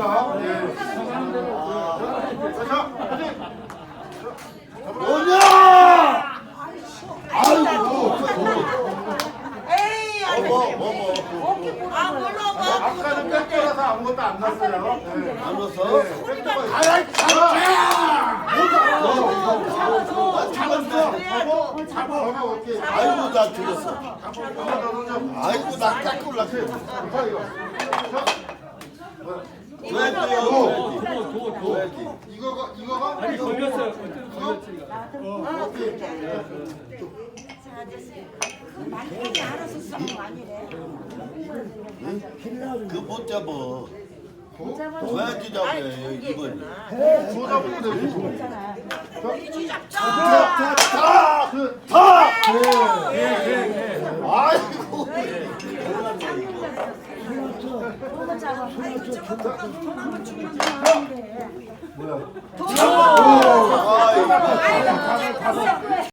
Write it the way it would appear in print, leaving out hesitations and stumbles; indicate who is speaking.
Speaker 1: 감사합니다. 예. 자,
Speaker 2: 뭐냐? 아이고.
Speaker 3: 에이, 안 돼. 아, 몰라.
Speaker 1: 아까는 뺏겨라서 아무것도 안 났어요.
Speaker 2: 안 넣었어?
Speaker 1: 아이, 잡아! 잡아, 오케이.
Speaker 2: 아이고 나 틀렸어. 아이고 나 깎고 올랐어. 줘야지.
Speaker 1: 이거가?
Speaker 4: 아니 걸렸어요.
Speaker 3: 말까지 알아서 쓰는 거 아니래.
Speaker 2: 그못 잡어. 줘야지 잡아요 이번.
Speaker 1: 줘 잡으면 되지.
Speaker 2: 다. 아이고.
Speaker 1: 뭐야?